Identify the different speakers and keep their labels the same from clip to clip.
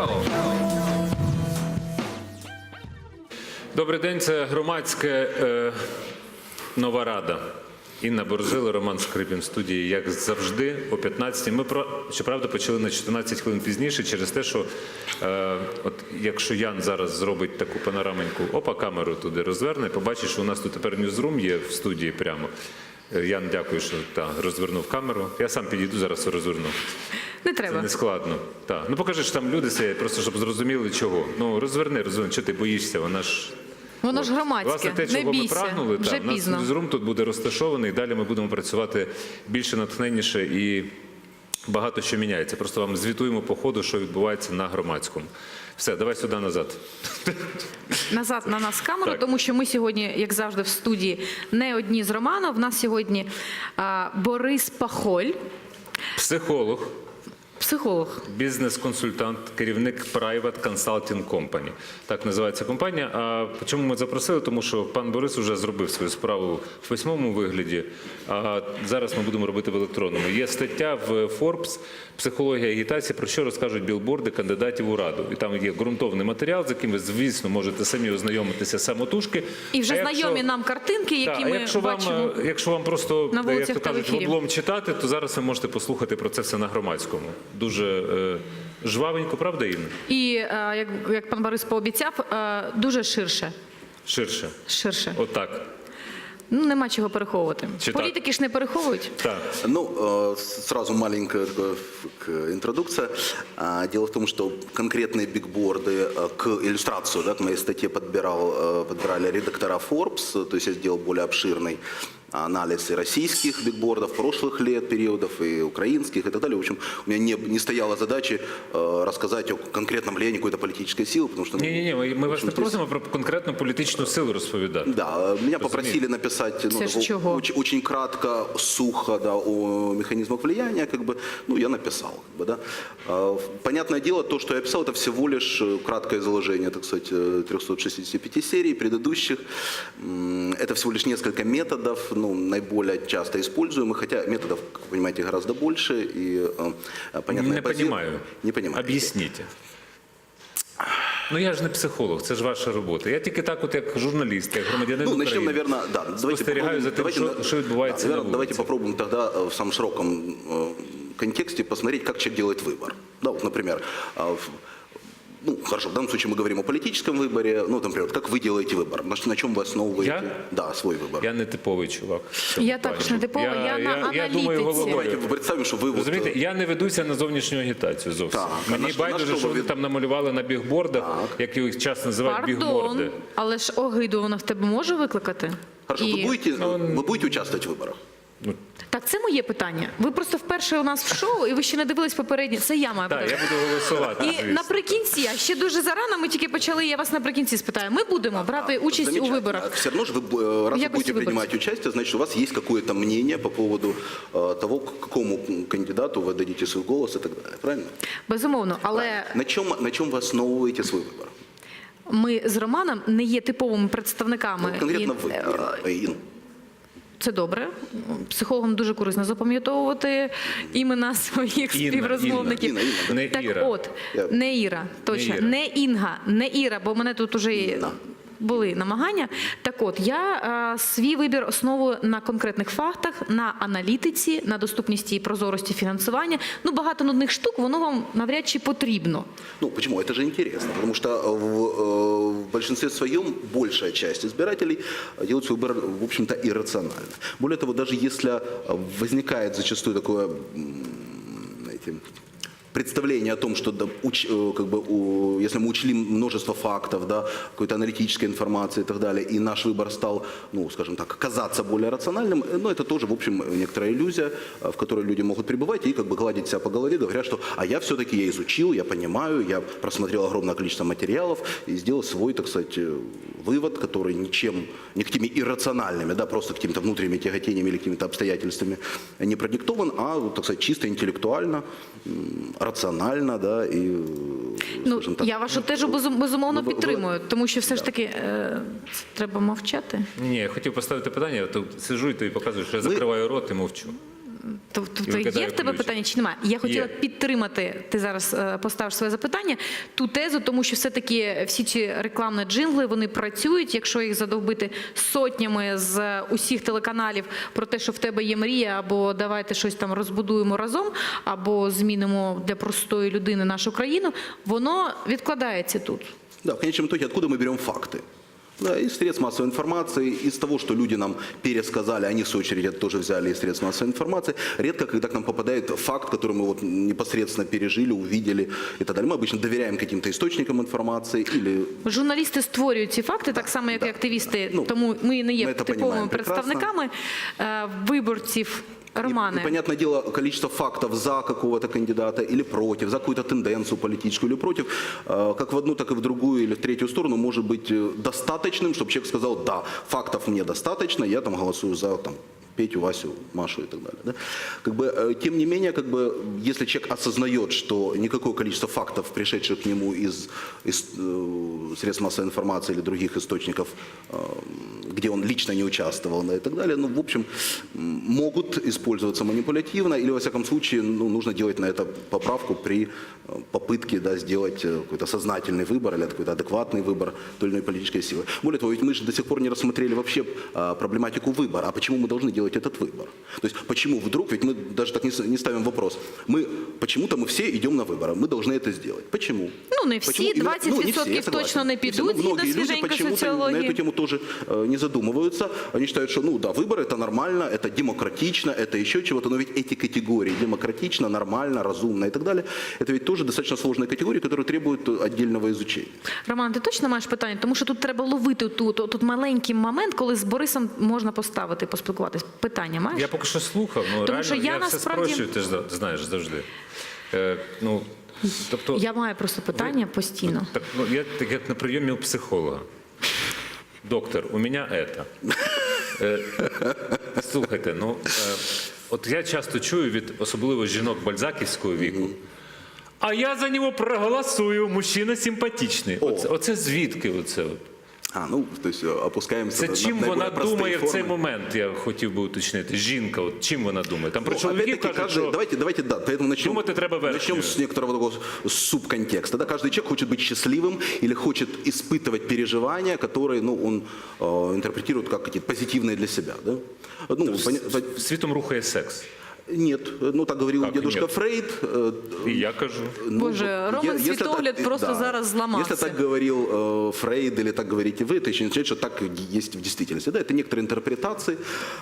Speaker 1: Добрий день, це громадське «Нова Рада». Інна Борзила, Роман Скрипін в студії, як завжди, о 15-й. Ми, щоправда, почали на 14 хвилин пізніше через те, що от якщо Ян зараз зробить таку панораменьку, камеру туди розверне, побачить, що у нас тут тепер ньюзрум є в студії прямо. Ян, дякую, що розвернув камеру. Я сам підійду, зараз розверну.
Speaker 2: Не треба.
Speaker 1: Це не складно. Ну покажи, що там люди сидять, просто щоб зрозуміли, чого. Ну розверни, чого ти боїшся, вона ж...
Speaker 2: Воно ж громадське,
Speaker 1: власне, те, чого ми прагнули,
Speaker 2: вже пізно.
Speaker 1: У нас ньюзрум тут буде розташований, далі ми будемо працювати більше натхненніше і багато що міняється. Просто вам звітуємо по ходу, що відбувається на громадському. Все, давай сюди назад.
Speaker 2: Назад на нас камеру,
Speaker 1: Так.
Speaker 2: тому що ми сьогодні, як завжди, в студії не одні з Романом. В нас сьогодні Борис Пахоль.
Speaker 1: Психолог.
Speaker 2: Психолог.
Speaker 1: Бізнес-консультант, керівник Private Consulting Company. Так називається компанія. А чому ми запросили? Тому що пан Борис вже зробив свою справу в письмовому вигляді, а зараз ми будемо робити в електронному. Є стаття в Forbes «Психологія агітації», про що розкажуть білборди кандидатів у Раду. І там є ґрунтовний матеріал, з яким ви, звісно, можете самі ознайомитися самотужки.
Speaker 2: І вже знайомі нам картинки, які ми бачимо.
Speaker 1: Якщо вам просто,
Speaker 2: на
Speaker 1: як то кажуть, в
Speaker 2: ефірі.
Speaker 1: облом читати, то зараз ви можете послухати про це все на громадському. Дуже жвавенько, правда, Інна?
Speaker 2: І, як пан Борис пообіцяв, дуже ширше.
Speaker 1: Ширше.
Speaker 2: Ширше.
Speaker 1: Отак.
Speaker 2: Ну, нема чого переховувати.
Speaker 1: Чи так?
Speaker 2: Політики ж не переховують.
Speaker 1: Так.
Speaker 3: Ну, сразу маленькая интродукция. Дело в том, что конкретные бигборды к иллюстрацию, да, к моей статье подбирали редактора Forbes, то есть я сделал более обширный анализ и российских бигбордов прошлых лет, периодов, и украинских, и так далее. В общем, у меня не стояла задачи рассказать о конкретном влиянии какой-то политической силы, потому что...
Speaker 1: Ні, ми вас не просимо про конкретну політичну силу розповідати.
Speaker 3: Да, меня попросили написать очень кратко, сухо, да, о механизмах влияния, как бы, ну, я написал, как бы, да. Понятное дело, то, что я писал, это всего лишь краткое изложение, так сказать, 365 серий предыдущих. Это всего лишь несколько методов, ну, наиболее часто используемых, хотя методов, как вы понимаете, гораздо больше. И,
Speaker 1: Не понимаю.
Speaker 3: Не понимаю.
Speaker 1: Об'ясніть. Ну, я ж не психолог, це ж ваша робота. Я тільки так, от як журналіст, як громадянин України.
Speaker 3: Начнем, наверное, да.
Speaker 1: Спостерігаю за тим, що відбувається на вулиці.
Speaker 3: Давайте попробуем тогда в самом широком контексте посмотреть, как человек делает выбор. Да, вот, например, ну, хорошо, в данном случае мы говорим о политическом выборе. Ну, например, как вы делаете выбор? На чем вы основываете?
Speaker 1: Я?
Speaker 3: Да, свой выбор.
Speaker 1: Я не типовий чувак.
Speaker 2: Я також не типова, я на
Speaker 1: Я думаю головою.
Speaker 3: Давайте представим, что вы...
Speaker 1: Розумієте, я не ведуся на зовнішню агітацію зовсім.
Speaker 3: Так,
Speaker 1: Мені байдуже, що вони там намалювали на бігбордах, як їх часто називають бігборди.
Speaker 2: Пардон, але ж огиду вона в тебе може викликати?
Speaker 3: Хорошо, вы будете участвовать в выборах?
Speaker 2: Так, це моє питання. Ви просто вперше у нас в шоу, і ви ще не дивились попередні. Це я маю
Speaker 1: Так,
Speaker 2: питання.
Speaker 1: я буду голосувати,
Speaker 2: І
Speaker 1: звісно.
Speaker 2: наприкінці, а ще дуже зарано, ми тільки почали, я вас наприкінці спитаю. Ми будемо брати участь у виборах.
Speaker 3: Все равно же вы, раз вы будете принимать участие, значит, у вас есть какое-то мнение по поводу того, какому кандидату вы дадите свой голос и так далее. Правильно?
Speaker 2: Безумовно, але
Speaker 3: На чем вы основываете свой выбор?
Speaker 2: ми з Романом не є типовими представниками.
Speaker 3: Ну, конкретно вы, Инна.
Speaker 2: Це добре. Психологам дуже корисно запам'ятовувати імена своїх співрозмовників.
Speaker 3: Інна.
Speaker 2: Так
Speaker 1: Іра.
Speaker 2: от, не Іра, точно, не Інга, не Іра, бо в мене тут уже були намагання. Так от, я свій вибір основую на конкретних фактах, на аналітиці, на доступності і прозорості фінансування. Ну, багато нудних штук, воно вам навряд чи потрібно.
Speaker 3: Ну, почему? Это же интересно, потому что в большинстве своем большая часть избирателей делает свой выбор, в общем-то, иррационально. Более того, даже если возникает зачастую такое, знаете, представление о том, что да, как бы, если мы учли множество фактов, да, какой-то аналитической информации и так далее, и наш выбор стал, ну, скажем так, казаться более рациональным, но это тоже, в общем, некоторая иллюзия, в которой люди могут пребывать и как бы гладить себя по голове, говоря, что «а я все-таки я изучил, я понимаю, я просмотрел огромное количество материалов и сделал свой, так сказать, вывод, который ничем, никакими иррациональными, да, просто какими-то внутренними тяготениями или какими-то обстоятельствами не продиктован, а, так сказать, чисто интеллектуально, раціонально, да, і,
Speaker 2: ну,
Speaker 3: так.
Speaker 2: Я вашу теж безумовно підтримую, тому що все ж таки треба мовчати.
Speaker 1: Ні, я хотів поставити питання, я тут сиджу і тобі показую, що я закриваю рот і мовчу.
Speaker 2: Тобто є в тебе питання чи немає? Я хотіла підтримати, ти зараз поставиш своє запитання, ту тезу, тому що все-таки всі ці рекламні джингли, вони працюють, якщо їх задовбити сотнями з усіх телеканалів про те, що в тебе є мрія, або давайте щось там розбудуємо разом, або змінимо для простої людини нашу країну, воно відкладається тут.
Speaker 3: Да, в конечном итоге, откуда мы берем факты? Да, из средств массовой информации, из того, что люди нам пересказали, они в свою очередь это тоже взяли из средств массовой информации. Редко, когда к нам попадает факт, который мы вот непосредственно пережили, увидели и так далее. Мы обычно доверяем каким-то источникам информации или...
Speaker 2: Журналісти створюють ці факти, так само, як і активісти, тому ми не є типовими представниками виборців. Романе.
Speaker 3: И, понятное дело, количество фактов за какого-то кандидата или против, за какую-то тенденцию политическую или против, как в одну, так и в другую или в третью сторону может быть достаточным, чтобы человек сказал, да, фактов мне достаточно, я там голосую за там, Петю, Васю, Машу и так далее. Да? Как бы, тем не менее, как бы, если человек осознает, что никакое количество фактов, пришедших к нему из средств массовой информации или других источников, где он лично не участвовал, да, и так далее, ну, в общем, могут использоваться манипулятивно, или, во всяком случае, ну, нужно делать на это поправку при попытке, да, сделать какой-то сознательный выбор или какой-то адекватный выбор той или иной политической силы. Более того, ведь мы же до сих пор не рассмотрели вообще проблематику выбора, а почему мы должны делать этот выбор? То есть почему вдруг, ведь мы даже так не ставим вопрос, почему-то мы все идем на выборы, мы должны это сделать. Почему?
Speaker 2: Ну, не всі, 20% точно не підуть, згідно свіженької соціології.
Speaker 3: На эту тему тоже не задумываются. Они считают, что, ну да, выборы это нормально, это демократично, это еще чего-то, но ведь эти категории, демократично, нормально, разумно и так далее, это ведь тоже достаточно сложные категории, которые требуют отдельного изучения.
Speaker 2: Роман, ти точно маєш питання? Тому що тут треба ловити тут маленький момент, коли з Борисом можна поставити, поспілкуватись. Питання маєш?
Speaker 1: Я поки що слухав, ну
Speaker 2: Тому що
Speaker 1: реально,
Speaker 2: я
Speaker 1: все
Speaker 2: насправді...
Speaker 1: спрощую, ти ж знаєш завжди. Тобто,
Speaker 2: Я маю просто питання постійно.
Speaker 1: Так, я так як на прийомі у психолога. Доктор, у мене это. Слухайте, от я часто чую від особливо жінок бальзаківського віку, а я за нього проголосую, мужчина симпатичний. Оце звідки оце?
Speaker 3: То есть опускаємося
Speaker 1: Це чим вона думає в цей момент, я хотів би уточнити. Жінка, от чим вона думає? Там про чоловіків кажуть, що
Speaker 3: давайте, поэтому начнем с некоторого такого субконтекста. Да? Каждый человек хочет быть счастливым или хочет испытывать переживания, которые он интерпретирует как какие-то позитивные для себя. Да?
Speaker 1: Світом рухає секс.
Speaker 3: Нет, так говорил дедушка Фрейд.
Speaker 1: И я кажу.
Speaker 2: Боже, Роман світогляд просто зараз зламався.
Speaker 3: Если так говорил Фрейд или так говорите вы, это еще не означает, что так есть в действительности. Да, это некоторые интерпретации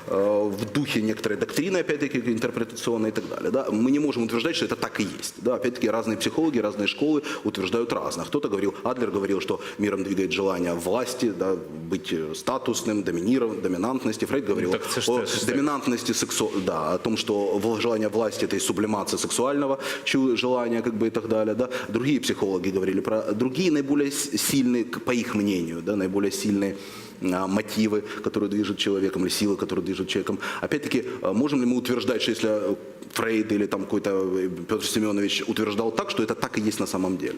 Speaker 3: в духе некоторой доктрины, опять-таки, интерпретационной и так далее. Да. Мы не можем утверждать, что это так и есть. Да, опять-таки, разные психологи, разные школы утверждают разное. Кто-то говорил, Адлер говорил, что миром двигает желание власти, да, быть статусным, доминантности. Фрейд говорил о доминантности о том, что желание власти – это и сублимация сексуального желания, и так далее. Да? Другие психологи говорили про другие наиболее сильные, по их мнению, да, наиболее сильные мотивы, которые движут человеком, или силы, которые движут человеком. Опять-таки, можем ли мы утверждать, что если Фрейд или там какой-то Петр Семенович утверждал так, что это так и есть на самом деле?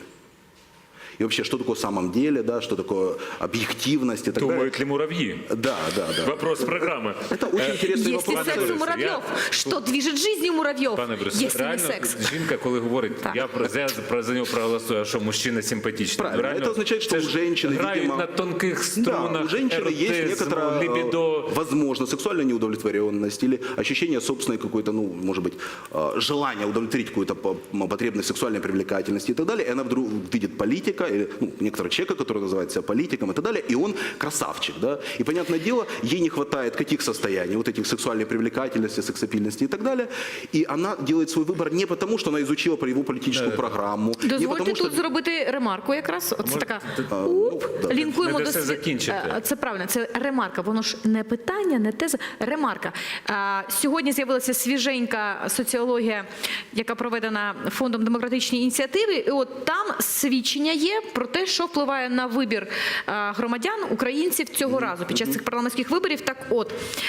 Speaker 3: И вообще, что такое самом деле, да, что такое объективность и так далее.
Speaker 1: Думают ли муравьи?
Speaker 3: Да.
Speaker 1: Вопрос программы.
Speaker 3: Это очень интересный вопрос.
Speaker 2: Есть ли секс у муравьев? Что движет жизнью муравьев?
Speaker 1: Пане Борисове,
Speaker 2: реально секс?
Speaker 1: Жінка, коли говорить, я за нього проголосую, а що мужчина симпатичний.
Speaker 3: Правильно, это означает, что у женщины,
Speaker 1: грають
Speaker 3: видимо,
Speaker 1: на тонких струнах,
Speaker 3: у женщины есть некоторая,
Speaker 1: либидо.
Speaker 3: возможно, сексуальная неудовлетворенность или ощущение собственной какой-то, может быть, желания удовлетворить какую-то потребность сексуальной привлекательности и так далее, и она вдруг видит политика, или некоторого человека, который называет себя политиком и так далее, и он красавчик, да, и, понятное дело, ей не хватает каких состояний, вот этих сексуальной привлекательности, сексапильности и так далее, и она делает свой выбор не потому, что она изучила про его политическую программу, не потому,
Speaker 2: тут зробити ремарку якраз, оце така, лінкуємо до світу. Це правильно, це ремарка, воно ж не питання, не теза, ремарка. Сьогодні з'явилася свіженька соціологія, яка проведена Фондом демократичної ініціативи, і от там свідчення є, є про те, що впливає на вибір громадян, українців цього разу під час цих парламентських виборів. Так от,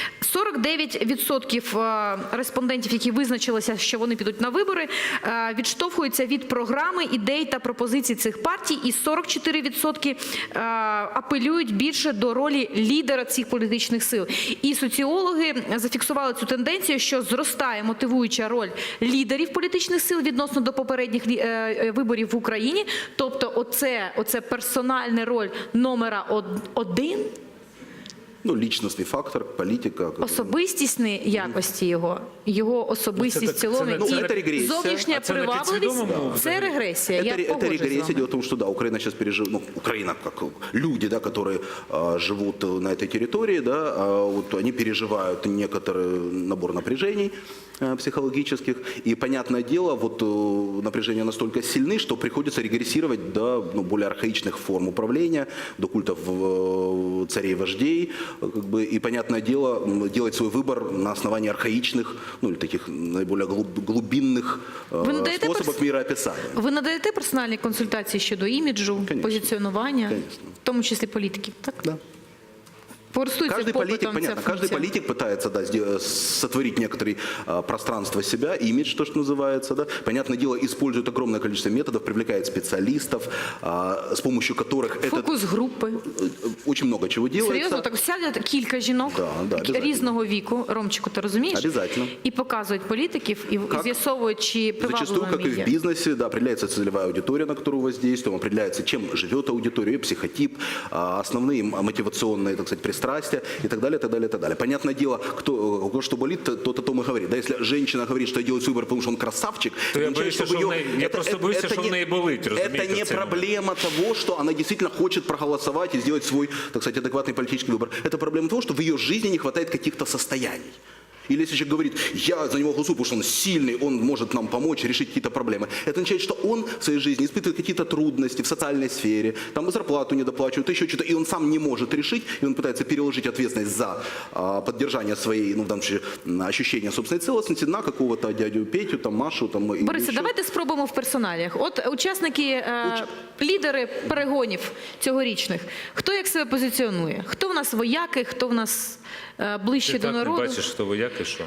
Speaker 2: 49% респондентів, які визначилися, що вони підуть на вибори, відштовхуються від програми, ідей та пропозицій цих партій, і 44% апелюють більше до ролі лідера цих політичних сил. І соціологи зафіксували цю тенденцію, що зростає мотивуюча роль лідерів політичних сил відносно до попередніх виборів в Україні. Тобто оце персональна роль номера один,
Speaker 3: личностный фактор, политика.
Speaker 2: особистісні якості його особистість в цілому,
Speaker 3: це регресія.
Speaker 2: зовнішня привабливість – це регресія.
Speaker 3: Это регрессия. Дело в том, что да, Украина сейчас переживает, Украина как люди, да, которые живут на этой территории, да, вот они переживают некоторый набор напряжений психологических, и понятное дело, вот напряжения настолько сильны, что приходится регрессировать до более архаичных форм управления, до культов царей-вождей, как бы, и понятное дело, делать свой выбор на основании архаичных, или таких наиболее глубинных способов мироописания.
Speaker 2: Ви надаєте персональні консультації щодо іміджу, позиціонування, в тому числі політиків, так?
Speaker 3: Да. Каждый политик, понятно, каждый политик пытается, да, сотворить некоторое пространство себя, имидж, то, что называется, да. Понятное дело, использует огромное количество методов, привлекает специалистов, с помощью которых
Speaker 2: фокус-групи.
Speaker 3: Очень много чего делается.
Speaker 2: Серйозно, так сядуть кілька жінок різного віку, Ромчику, ти розумієш?
Speaker 3: Обязательно.
Speaker 2: І показують політиків, і з'ясовують, чи
Speaker 3: Зачастую, как и в бизнесе, да, определяется целевая аудитория, на которую воздействуем, определяется, чем живет аудитория, ее психотип, основные мотивационные, так сказать, пристрастия и так далее, так далее, так далее. Понятное дело, у кого что болит, тот о том и говорит. Да, если женщина говорит, что делает выбор, потому что он красавчик,
Speaker 1: то я просто боюсь, что в ней болит,
Speaker 3: это не проблема того, что она действительно хочет проголосовать и сделать свой, так сказать, адекватный политический выбор. Это проблема того, что в ее жизни не хватает каких-то состояний. Или если человек говорит, я за него голосую, потому что он сильный, он может нам помочь решить какие-то проблемы. Это означает, что он в своей жизни испытывает какие-то трудности в социальной сфере, там зарплату не доплачивают, еще что-то, и он сам не может решить, и он пытается переложить ответственность за поддержание своей, в данном случае, ощущения собственной целостности на какого-то дядю Петю, там, Машу. Там,
Speaker 2: Борисе, давайте спробуємо в персоналіях. От учасники, лідери перегонів цьогорічних, хто як себе позиціонує? Хто в нас вояки, хто в нас ближче до народу?
Speaker 1: Ти так не бачиш, хто вояки, що?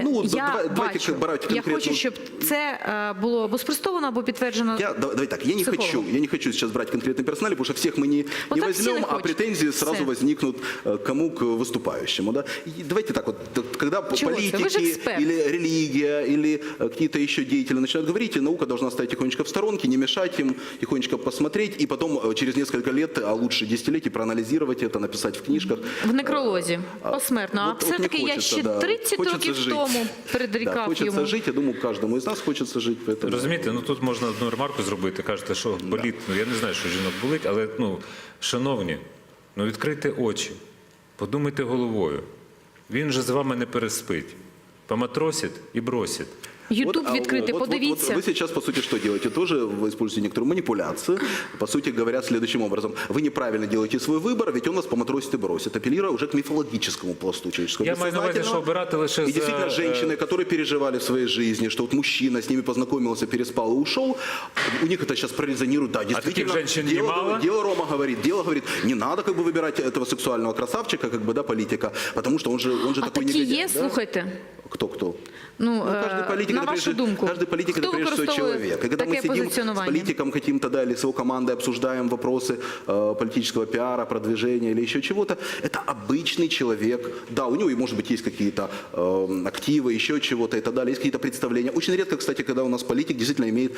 Speaker 2: Я бачу. Я хочу, щоб це було або спростовано, або підтверджено.
Speaker 3: Давай так, я не хочу сейчас брать конкретный персонал, потому что всех мы не возьмем, а претензии сразу возникнут кому к выступающему. Да? И давайте так вот, когда политики или религия, или какие-то еще деятели начинают говорить, и наука должна стоять тихонечко в сторонке, не мешать им, тихонечко посмотреть, и потом через несколько лет, а лучше десятилетий, проанализировать это, написать в книжках.
Speaker 2: В некролозі, посмертно. А все-таки я ще 30 років тому передрікав йому.
Speaker 3: Хочеться жити, я думаю, кожному із нас хочеться жити.
Speaker 1: Розумієте, тут можна одну ремарку зробити. Кажете, що болить. Я не знаю, що жінок болить, але, шановні, відкрийте очі, подумайте головою. Він же з вами не переспить. Поматросить і бросить.
Speaker 2: Ютуб відкритий, подивіться.
Speaker 3: Вы сейчас, по сути, что делаете? Тоже вы используете некоторую манипуляцию. По сути, говорят следующим образом. Вы неправильно делаете свой выбор, ведь он вас поматросит и бросит, апеллируя уже к мифологическому пласту человеческого.
Speaker 1: Я маю на увазі, що обирати лише
Speaker 3: И действительно, женщины, которые переживали в своей жизни, что вот мужчина с ними познакомился, переспал и ушел, у них это сейчас прорезонирует. Да, действительно, дело Рома говорит, не надо выбирать этого сексуального красавчика, политика, потому что он же такой негодяй.
Speaker 2: А такі є, слухайте.
Speaker 3: Кто?
Speaker 2: Каждый политик, на вашу думку,
Speaker 3: каждый политик это прежде всего человек. И когда мы сидим с политиком каким-то, да, или с его командой обсуждаем вопросы политического пиара, продвижения или еще чего-то, это обычный человек. Да, у него, может быть, есть какие-то активы, еще чего-то и так далее, есть какие-то представления. Очень редко, кстати, когда у нас политик действительно имеет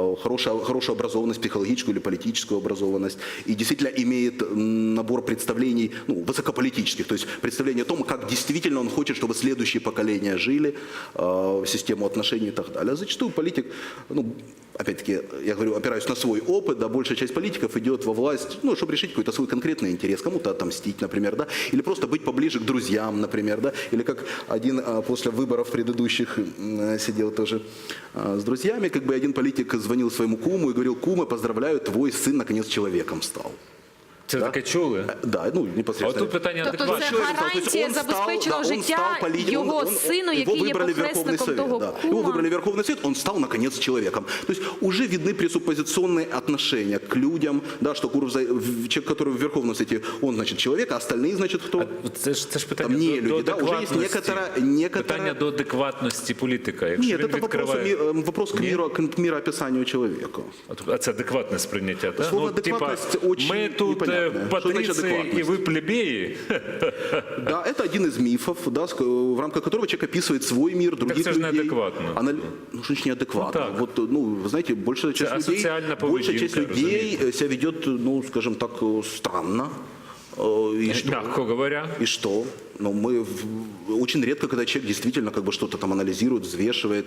Speaker 3: хорошую образованность, психологическую или политическую образованность, и действительно имеет набор представлений, высокополитических, то есть представление о том, как действительно он хочет, чтобы следующие поколения жили, систему отношений и так далее. А зачастую политик, опять-таки, я говорю, опираюсь на свой опыт, да, большая часть политиков идет во власть, чтобы решить какой-то свой конкретный интерес, кому-то отомстить, например, да, или просто быть поближе к друзьям, например, да, или как один после выборов предыдущих сидел тоже с друзьями, один политик звонил своему куму и говорил: кума, поздравляю, твой сын наконец человеком стал.
Speaker 1: Це таке чули?
Speaker 3: Да, ну,
Speaker 1: А
Speaker 3: непосредственно.
Speaker 1: от тут питання
Speaker 2: Тобто
Speaker 1: адекватності.
Speaker 2: це
Speaker 3: Человек, то есть
Speaker 2: гарантія
Speaker 3: он стал,
Speaker 2: забезпеченого
Speaker 3: да, он
Speaker 2: життя
Speaker 3: стал политиком,
Speaker 2: його сину,
Speaker 3: его
Speaker 2: який є
Speaker 3: выбрали в Верховный
Speaker 2: похресником
Speaker 3: Совет,
Speaker 2: того
Speaker 3: да.
Speaker 2: кума.
Speaker 3: Его выбрали в Верховный Совет, он стал, наконец, человеком. То есть уже видны пресуппозиционные отношения к людям, да, что человек, который в Верховном Совете, он, значит, человек, а остальные, значит, кто?
Speaker 1: Це ж питання
Speaker 3: Там не
Speaker 1: до
Speaker 3: люди, да, уже есть
Speaker 1: адекватності.
Speaker 3: некоторая-
Speaker 1: Питання до адекватності політика. Якщо
Speaker 3: Нет,
Speaker 1: він
Speaker 3: это
Speaker 1: відкриває...
Speaker 3: вопрос к мироописанию человека.
Speaker 1: А це адекватне сприйняття, так?
Speaker 3: Слово адекватність очень
Speaker 1: ми тут
Speaker 3: непонятне. Що значить
Speaker 1: патріції і
Speaker 3: адекватність?
Speaker 1: ви плебеї.
Speaker 3: Да, это один из мифов, да, в рамках которого человек описывает свой мир, других
Speaker 1: це ж
Speaker 3: людей.
Speaker 1: неадекватно.
Speaker 3: Ну, что значит неадекватно?
Speaker 1: Ну, так.
Speaker 3: Вот, ну, вы знаете, большая часть
Speaker 1: асоціальна
Speaker 3: людей себя ведет, ну, скажем так, странно. И что?
Speaker 1: Мягко говоря.
Speaker 3: И что? Ну, очень редко, когда человек действительно как бы что-то там анализирует, взвешивает.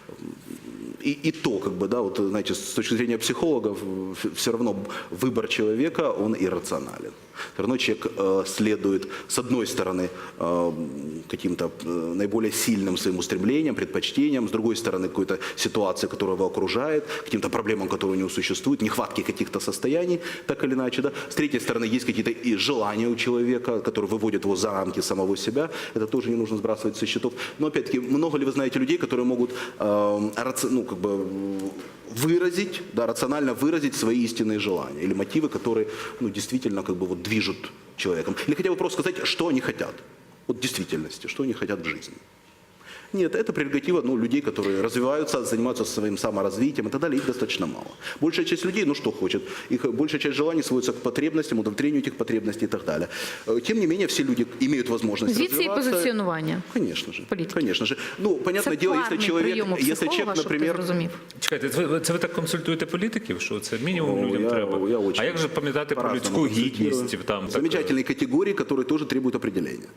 Speaker 3: И то, как бы, да, вот, знаете, с точки зрения психологов, все равно выбор человека, он иррационален. Все равно человек следует, с одной стороны, каким-то наиболее сильным своим устремлениям, предпочтениям, с другой стороны, какой-то ситуации, которая его окружает, каким-то проблемам, которые у него существуют, нехватки каких-то состояний, так или иначе, да. С третьей стороны, есть какие-то и желания у человека, которые выводят его за рамки самого себя, это тоже не нужно сбрасывать со счетов. Но, опять-таки, много ли вы знаете людей, которые могут, ну, как бы, выразить, да, рационально выразить свои истинные желания или мотивы, которые, ну, действительно, как бы, вот, движут человеком. Или хотя бы просто сказать, что они хотят. Вот в действительности, что они хотят в жизни. Нет, это прерогатива, ну, людей, которые развиваются, занимаются своим саморазвитием и так далее, их достаточно мало. Большая часть людей, ну что хочет, их большая часть желаний сводится к потребностям, удовлетворению этих потребностей и так далее. Тем не менее, все люди имеют возможность
Speaker 2: Звідси і
Speaker 3: развиваться.
Speaker 2: позиціонування.
Speaker 3: Конечно же,
Speaker 2: Політики.
Speaker 3: конечно же. Ну, понятное
Speaker 2: Це
Speaker 3: дело, если
Speaker 2: парний
Speaker 3: человек,
Speaker 2: прийом у
Speaker 3: если
Speaker 2: психолога,
Speaker 3: человек,
Speaker 2: щоб ти
Speaker 3: например,
Speaker 2: зрозумів.
Speaker 1: Чекайте, це ви так консультуєте політиків, що це мінімум людям
Speaker 3: я
Speaker 1: треба?
Speaker 3: очень
Speaker 1: А як же пам'ятати про
Speaker 3: по-разному
Speaker 1: людську гідність?
Speaker 3: консультирую.
Speaker 1: Там,
Speaker 3: Замечательные категории, которые тоже требуют определения.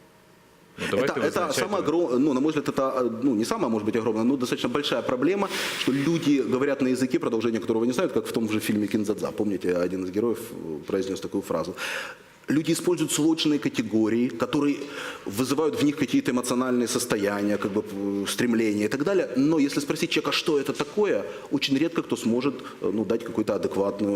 Speaker 3: Это самая огромная, ну, на мой взгляд, это, ну, не самая, может быть, огромная, но достаточно большая проблема, что люди говорят на языке, продолжение которого не знают, как в том же фильме «Киндзадза». Помните, один из героев произнес такую фразу. Люди используют сложные категории, которые вызывают в них какие-то эмоциональные состояния, как бы стремления и так далее. Но если спросить человека, что это такое, очень редко кто сможет, ну, дать какой-то адекватный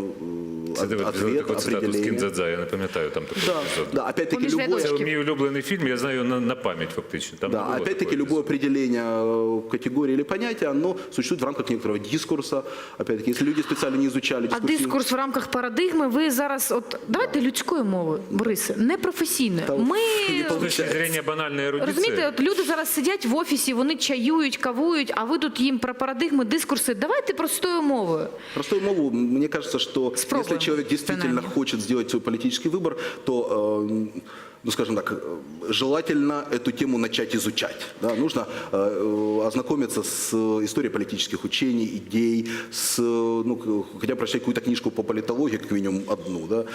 Speaker 3: ответ,
Speaker 1: таку цитату з
Speaker 3: определение.
Speaker 1: Кіндзадза, я не пам'ятаю там такий епізод.
Speaker 3: Да, опять-таки
Speaker 2: Поміж
Speaker 3: любое...
Speaker 1: Це
Speaker 2: рядочків.
Speaker 1: мій улюблений фільм, я знаю на пам'ять фактично. Там не
Speaker 3: Да,
Speaker 1: було
Speaker 3: опять-таки
Speaker 1: такого
Speaker 3: любое
Speaker 1: епізоду.
Speaker 3: определение категории или понятия, оно существует в рамках некоторого дискурса. Опять-таки, если люди специально не изучали
Speaker 2: А
Speaker 3: дискурсивность...
Speaker 2: дискурс в рамках парадигми ви зараз, от давайте людською мовою, Борисе, не професійною.
Speaker 3: Та
Speaker 2: Ми
Speaker 1: З точки зрення банальної ерудиції.
Speaker 2: розумієте, от люди зараз сидять в офісі, вони чаюють, кавують, а ви тут їм про парадигми, дискурси. Давайте простою мовою.
Speaker 3: Простую мову, мне кажется, что
Speaker 2: Спробуем,
Speaker 3: если человек действительно
Speaker 2: принаймні.
Speaker 3: хочет сделать свой политический выбор, то, ну, скажем так, желательно эту тему начать изучать. Да? Нужно ознакомиться с историей политических учений, идей, с, ну, хотя бы прочитать какую-то книжку по политологии, как минимум одну. Да?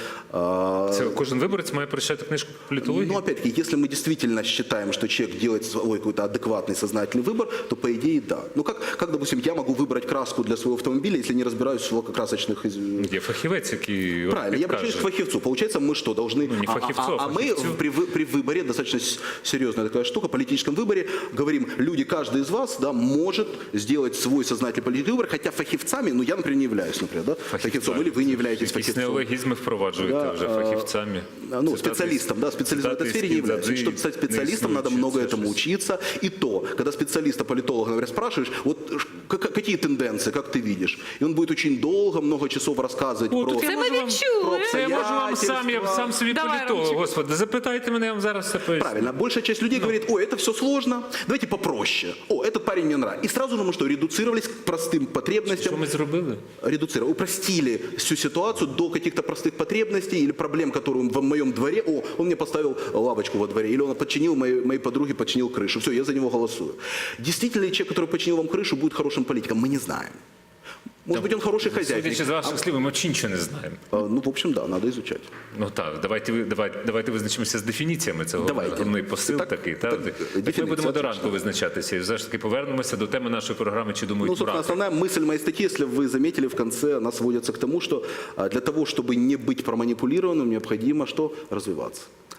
Speaker 1: Це кожен виборець має прочитати книжку по політології?
Speaker 3: Ну, опять-таки, если мы действительно считаем, что человек делает свой какой-то адекватный, сознательный выбор, то, по идее, да. Ну, как, допустим, я могу выбрать краску для своего автомобиля, если не разбираюсь в лакокрасочных...
Speaker 1: Є фахівець, який от
Speaker 3: Правильно, я обращаюсь к
Speaker 1: підкаже.
Speaker 3: фахивцу. Получается, мы что, должны...
Speaker 1: Ну, не фахивцу, а
Speaker 3: мы
Speaker 1: фахивцу.
Speaker 3: при выборе, достаточно серьезная такая штука, в политическом выборе, говорим, люди, каждый из вас, да, может сделать свой сознательный политический выбор, хотя фахивцами, ну, я, например, не являюсь, например, да, фахивцом, или вы не являетесь
Speaker 1: Якісь
Speaker 3: фахивцом.
Speaker 1: неологізми впроваджуєте
Speaker 3: Да,
Speaker 1: вже фахівцями.
Speaker 3: Ну,
Speaker 1: Цитати-
Speaker 3: специалистом, да, специалистом в этой
Speaker 1: цитати
Speaker 3: сфере
Speaker 1: з
Speaker 3: не является.
Speaker 1: Кіндзадзи
Speaker 3: Чтобы стать специалистом,
Speaker 1: не
Speaker 3: надо
Speaker 1: існують,
Speaker 3: много
Speaker 1: це
Speaker 3: этому
Speaker 1: щось.
Speaker 3: учиться. И то, когда специалиста, политолога, например, спрашиваешь, вот какие тенденции, как ты видишь, и он будет очень долго, много часов рассказывать
Speaker 1: О,
Speaker 3: про...
Speaker 1: тут я
Speaker 2: Це
Speaker 1: можу
Speaker 2: ми
Speaker 1: вам-
Speaker 2: відчули.
Speaker 1: Це я можу вам
Speaker 3: Обстоятельства.
Speaker 1: сам собі
Speaker 2: Давай,
Speaker 1: політолог,
Speaker 2: Ромчик.
Speaker 1: господи, запитайте мене, я вам зараз все поясню.
Speaker 3: Правильно. Большая часть людей говорит, ой, это все сложно, давайте попроще. О, этот парень мне нравится. И сразу же мы что, редуцировались к простым потребностям.
Speaker 1: Що ми зробили?
Speaker 3: Редуцировали, упростили всю ситуацию до каких-то простых потребностей или проблем, которые в моем дворе. О, он мне поставил лавочку во дворе, или он починил моей подруге, починил крышу. Все, я за него голосую. Действительно ли человек, который починил вам крышу, будет хорошим политиком? Мы не знаем. Может быть, он хороший хозяйник.
Speaker 1: Судячи з ваших слів, ми взагалі нічого не знаємо.
Speaker 3: Ну, в общем, да, надо изучать.
Speaker 1: Ну так, давайте визначимося з дефініціями цього.
Speaker 3: Давайте.
Speaker 1: Головний посил
Speaker 3: Так,
Speaker 1: такий.
Speaker 3: так,
Speaker 1: Так, ми
Speaker 3: дефініція,
Speaker 1: будемо до ранку
Speaker 3: точно.
Speaker 1: визначатися. І все ж таки повернемося до теми нашої програми «Чи
Speaker 3: Ну,
Speaker 1: думають
Speaker 3: собственно,
Speaker 1: мурахи?».
Speaker 3: основная мысль моей статьи, если вы заметили, в конце она сводится к тому, что для того, чтобы не быть проманипулированным, необходимо что? Развиваться.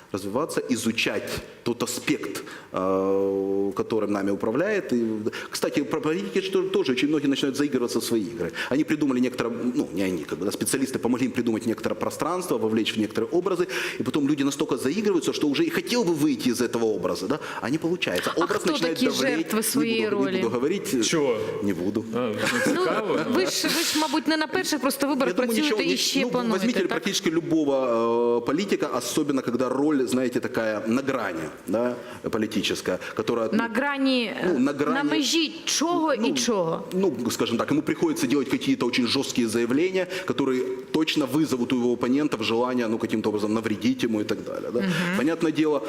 Speaker 3: развиваться, изучать тот аспект, которым нами управляет. И, кстати, про политики тоже очень многие начинают заигрываться в свои игры. Они придумали некоторое, ну не они, как бы, да, специалисты помогли им придумать некоторое пространство, вовлечь в некоторые образы, и потом люди настолько заигрываются, что уже и хотел бы выйти из этого образа, да, а не получается.
Speaker 2: А
Speaker 3: Образ
Speaker 2: кто
Speaker 3: начинает
Speaker 2: такі
Speaker 3: давлеть.
Speaker 2: жертви своєї
Speaker 3: Не
Speaker 2: ролі?
Speaker 3: буду говорить.
Speaker 1: Чого?
Speaker 3: Не буду.
Speaker 1: Цікаво.
Speaker 2: Ви ж, мабуть, не на перших просто виборах працюєте і ще плануєте,
Speaker 3: возьмите
Speaker 2: так?
Speaker 3: практически любого политика, особенно когда роль, знаете, такая на грани, да, политическая, которая...
Speaker 2: На грані,
Speaker 3: на грані-
Speaker 2: на межі чого і чого?
Speaker 3: Ну, скажем так, ему приходится делать какие-то очень жесткие заявления, которые точно вызовут у его оппонентов желание, ну, каким-то образом навредить ему и так далее. Да? Понятное дело,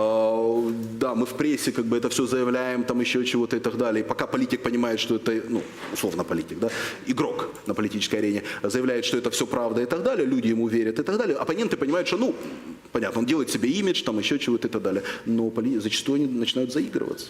Speaker 3: да, мы в прессе как бы это все заявляем, там еще чего-то и так далее. И пока политик понимает, что это, ну, условно политик, да, игрок на политической арене заявляет, что это все правда и так далее, люди ему верят и так далее, оппоненты понимают, что, ну, понятно, он делает себе имидж, там еще чего-то и так далее, но зачастую они начинают заигрываться.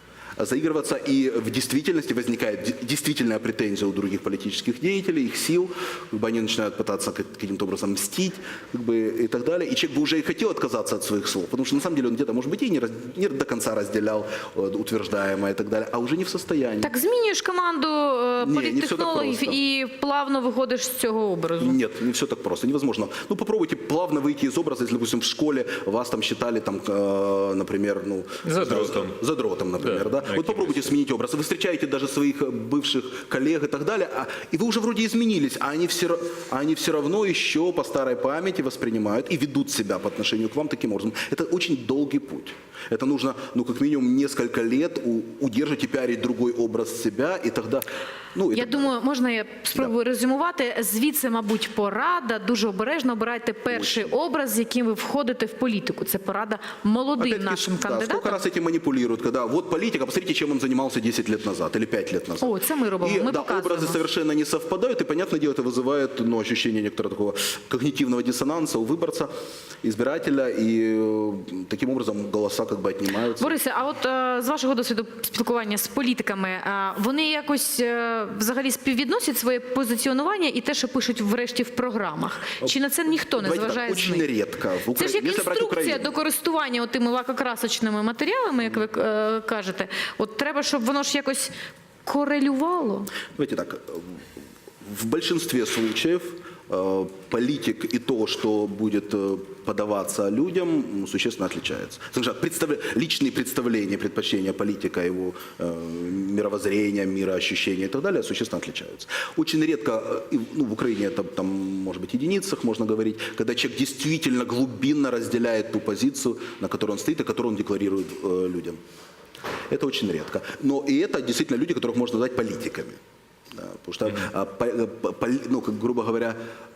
Speaker 3: И в действительности возникает действительная претензия у других политических деятелей, их сил, как бы они начинают пытаться каким-то образом мстить, как бы, и так далее. И человек бы уже и хотел отказаться от своих слов, потому что на самом деле он где-то, может быть, и не до конца разделял утверждаемое и так далее, а уже не в состоянии.
Speaker 2: Так змінюєш команду
Speaker 3: Ні, не все так
Speaker 2: політтехнологів
Speaker 3: просто.
Speaker 2: і плавно виходиш з цього образу.
Speaker 3: Нет, не все так просто, невозможно. Ну, попробуйте плавно выйти из образа, если, допустим, в школе вас там считали, там, например, ну...
Speaker 1: Задротом.
Speaker 3: Задротом, например,
Speaker 1: Да.
Speaker 3: да? Вот попробуйте сменить образ. Вы встречаете даже своих бывших коллег и так далее, и вы уже вроде изменились, а они все равно еще по старой памяти воспринимают и ведут себя по отношению к вам таким образом. Это очень долгий путь. Это нужно, ну, как минимум, несколько лет удерживать и пиарить другой образ себя, и тогда... Ну,
Speaker 2: Я думаю, можна я спробую резюмувати. Звідси, мабуть, порада. Дуже обережно обирайте перший образ, з яким ви входите в політику. Це порада молодим
Speaker 3: Опять-таки,
Speaker 2: нашим
Speaker 3: да, сколько
Speaker 2: кандидатам.
Speaker 3: раз этим манипулируют, когда вот политик, а посмотрите, чем он занимался 10 лет назад или 5 лет назад.
Speaker 2: О, це ми робимо,
Speaker 3: И
Speaker 2: ми
Speaker 3: да,
Speaker 2: показуємо.
Speaker 3: образы совершенно не совпадают, и, понятное дело, это вызывает, ну, ощущение некоторого такого когнитивного диссонанса у выборца, избирателя, и таким образом голоса как бы отнимаются.
Speaker 2: Борисе, а от з вашого досвіду спілкування з політиками, вони якось взагалі співвідносять своє позиціонування і те, що пишуть врешті в програмах? Чи на це ніхто не
Speaker 3: Давайте так,
Speaker 2: зважає з
Speaker 3: очень
Speaker 2: них?
Speaker 3: редко. В
Speaker 2: Це ж як
Speaker 3: Если брать
Speaker 2: інструкція
Speaker 3: Украину.
Speaker 2: до користування тими лакокрасочними матеріалами, як ви кажете. От треба, щоб воно ж якось корелювало.
Speaker 3: Давайте так, в большинстве случаев политик и то, что будет подаваться людям, существенно отличается. Скажем так, личные представления, предпочтения политика, его мировоззрения, мироощущения и так далее существенно отличаются. Очень редко, ну, в Украине это там, может быть, единицах можно говорить, когда человек действительно глубинно разделяет ту позицию, на которой он стоит и которую он декларирует людям. Это очень редко. Но и это действительно люди, которых можно назвать политиками. Да, потому что, ну, как, грубо говоря,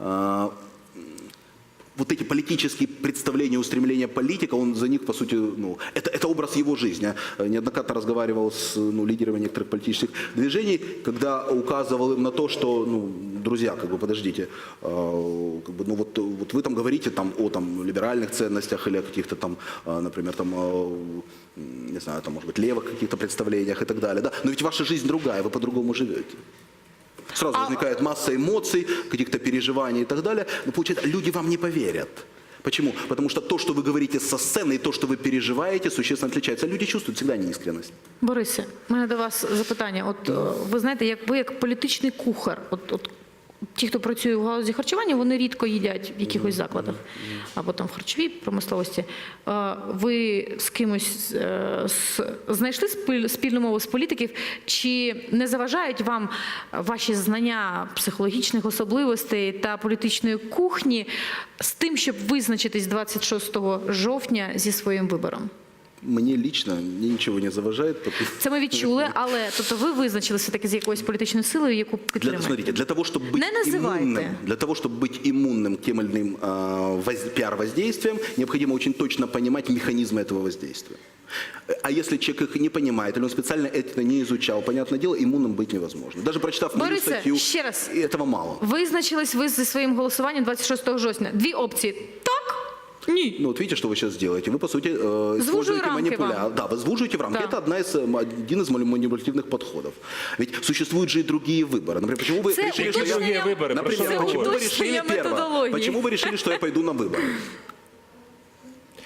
Speaker 3: вот эти политические представления, устремления политика, он за них, по сути, ну, это образ его жизни. Я неоднократно разговаривал с, ну, лидерами некоторых политических движений, когда указывал им на то, что, ну, друзья, как бы, подождите, как бы, ну, вот вы там говорите там, о там, либеральных ценностях или о каких-то там, например, там, не знаю, там, может быть, левых каких-то представлениях и так далее, да? Но ведь ваша жизнь другая, вы по-другому живете. Сразу возникает масса эмоций, каких-то переживаний и так далее. Но получается, люди вам не поверят. Почему? Потому что то, что вы говорите со сцены, и то, что вы переживаете, существенно отличается. Люди чувствуют всегда неискренность.
Speaker 2: Борисе, у мене до вас запитання. От ви знаєте, ви як політичний кухар, от ті, хто працює в галузі харчування, вони рідко їдять в якихось закладах або там в харчовій промисловості. Ви з кимось знайшли спільну мову з політиків? Чи не заважають вам ваші знання психологічних особливостей та політичної кухні з тим, щоб визначитись 26 жовтня зі своїм вибором?
Speaker 3: Мне лично ничего не заважает.
Speaker 2: Це ми відчули, але тобто ви визначилися таки з якоюсь політичною силою, яку підтримуєте?
Speaker 3: Смотрите, для того, чтобы быть
Speaker 2: Не называйте.
Speaker 3: иммунным к тем или иным пиар-воздействиям, необходимо очень точно понимать механизмы этого воздействия. А если человек их не понимает, или он специально это не изучал, понятное дело, иммунным быть невозможно. Даже прочитав мою
Speaker 2: Борисе,
Speaker 3: статью,
Speaker 2: ще раз.
Speaker 3: этого мало.
Speaker 2: Визначились ви зі своїм голосуванням 26 жовтня. Дві опції. Так? Ні.
Speaker 3: Ну вот видите, что вы сейчас делаете. Вы, по сути,
Speaker 2: Звужую
Speaker 3: используете
Speaker 2: рамки
Speaker 3: манипуляцию.
Speaker 2: вам.
Speaker 3: Да, вы звуживаете в рамки.
Speaker 2: Да.
Speaker 3: Это один из манипулятивных подходов. Ведь существуют же и другие выборы. Например, почему вы
Speaker 2: Це
Speaker 3: решили, что
Speaker 2: уточнення-
Speaker 3: я...
Speaker 1: Другие выборы, про
Speaker 3: Например,
Speaker 1: что вы
Speaker 3: почему вы
Speaker 1: говорите?
Speaker 3: решили
Speaker 2: Уточнення
Speaker 3: первое?
Speaker 2: методології.
Speaker 3: Почему вы решили, что я пойду на выборы?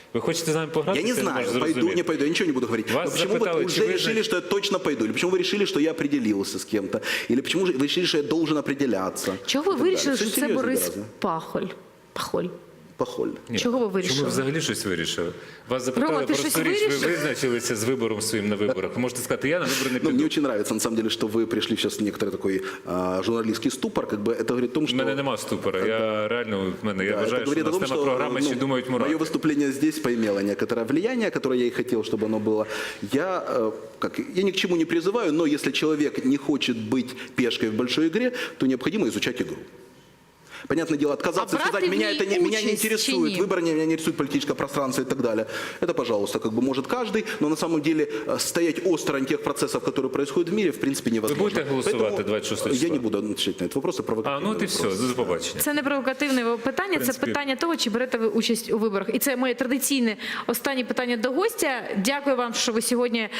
Speaker 1: Ви хочете з нами пограти?
Speaker 3: Я не знаю, пойду, не пойду, я ничего не буду говорить.
Speaker 1: Вас
Speaker 3: Но почему
Speaker 1: запытали,
Speaker 3: вы уже
Speaker 1: чи ви
Speaker 3: решили, что я точно пойду? Или почему вы решили, что я определился с кем-то? Или почему вы решили, что я должен определяться?
Speaker 2: Чого ви
Speaker 3: И так
Speaker 2: вирішили,
Speaker 3: далее.
Speaker 2: що
Speaker 3: Всё
Speaker 2: це
Speaker 3: серьезно
Speaker 2: Борис
Speaker 3: гораздо.
Speaker 2: Пахоль?
Speaker 3: Похоль.
Speaker 1: Ні.
Speaker 2: Чого ви
Speaker 1: Чому
Speaker 2: вирішили?
Speaker 1: ви взагалі щось вирішили? Вас запитали
Speaker 2: Рома, ти
Speaker 1: просто
Speaker 2: щось
Speaker 1: річ, ви
Speaker 2: вирішив?
Speaker 1: визначилися з вибором своїм на виборах. Ви можете сказати, я на вибори не
Speaker 3: Ну, мне
Speaker 1: піду.
Speaker 3: очень нравится, на самом деле, что вы пришли сейчас в некоторый такой журналистский ступор. Как бы это говорит о том,
Speaker 1: У
Speaker 3: что...
Speaker 1: мене нема ступора. Я реально, я
Speaker 3: Да, это
Speaker 1: вважаю, що
Speaker 3: говорит
Speaker 1: у
Speaker 3: о
Speaker 1: нас
Speaker 3: том,
Speaker 1: тема
Speaker 3: что
Speaker 1: програми «Ще думають
Speaker 3: мое
Speaker 1: мурахи».
Speaker 3: выступление здесь поимело некоторое влияние, которое я и хотел, чтобы оно было. Я ни к чему не призываю, но если человек не хочет быть пешкой в большой игре, то необходимо изучать игру. Понятное дело, отказаться и
Speaker 2: А
Speaker 3: сказать,
Speaker 2: брать в
Speaker 3: меня
Speaker 2: ней
Speaker 3: не
Speaker 2: участь
Speaker 3: интересует
Speaker 2: чи ні?
Speaker 3: выборы, меня не интересует политическое пространство и так далее. Это, пожалуйста, как бы может каждый, но на самом деле стоять осторонь тех процессов, которые происходят в мире, в принципе, невозможно.
Speaker 1: будете голосовать
Speaker 3: Поэтому
Speaker 1: 26 числа?
Speaker 3: Я не буду отвечать на этот вопрос, это провокативный
Speaker 1: А, ну от і все,
Speaker 3: вопрос.
Speaker 1: до побачення.
Speaker 2: Це не провокативне питання, це
Speaker 1: принципі.
Speaker 2: питання того, чи берете ви участь у виборах. І це моє традиційне останнє питання до гостя. Дякую вам, що ви сьогодні.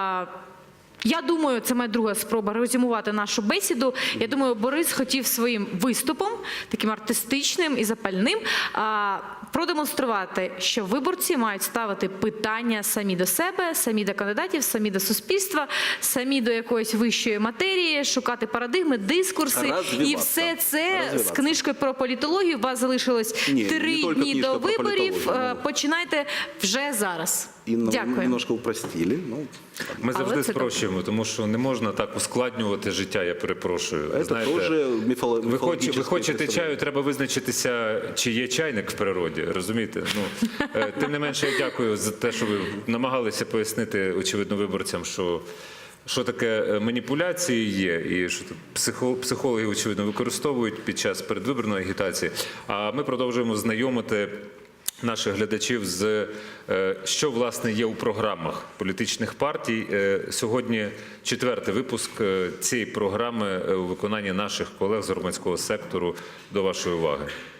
Speaker 2: Я думаю, це моя друга спроба резюмувати нашу бесіду. Я думаю, Борис хотів своїм виступом, таким артистичним і запальним, продемонструвати, що виборці мають ставити питання самі до себе, самі до кандидатів, самі до суспільства, самі до якоїсь вищої матерії, шукати парадигми, дискурси.
Speaker 3: Розвиватися.
Speaker 2: І все це з
Speaker 3: Розвиватися.
Speaker 2: книжкою про політологію. У вас залишилось
Speaker 3: Ні,
Speaker 2: 3
Speaker 3: не тільки
Speaker 2: дні
Speaker 3: книжка
Speaker 2: до
Speaker 3: про
Speaker 2: виборів.
Speaker 3: політологію, ну.
Speaker 2: Починайте вже зараз.
Speaker 3: И
Speaker 2: Дякую.
Speaker 3: немножко упростили. Ну,
Speaker 1: Ми
Speaker 2: Але
Speaker 1: завжди
Speaker 2: це
Speaker 1: спрощуємо, тому що не можна так ускладнювати життя, я перепрошую.
Speaker 3: это
Speaker 1: Знаєте,
Speaker 3: тоже
Speaker 1: ви
Speaker 3: мифологическое
Speaker 1: хочете
Speaker 3: представление.
Speaker 1: чаю, треба визначитися, чи є чайник в природі, розумієте? Ну, тим не менше, я дякую за те, що ви намагалися пояснити, очевидно, виборцям, що таке маніпуляції є, і що тут психологи, очевидно, використовують під час передвиборної агітації. А ми продовжуємо знайомити наших глядачів з що, власне, є у програмах політичних партій. Сьогодні 4-й випуск цієї програми у виконанні наших колег з громадського сектору. До вашої уваги.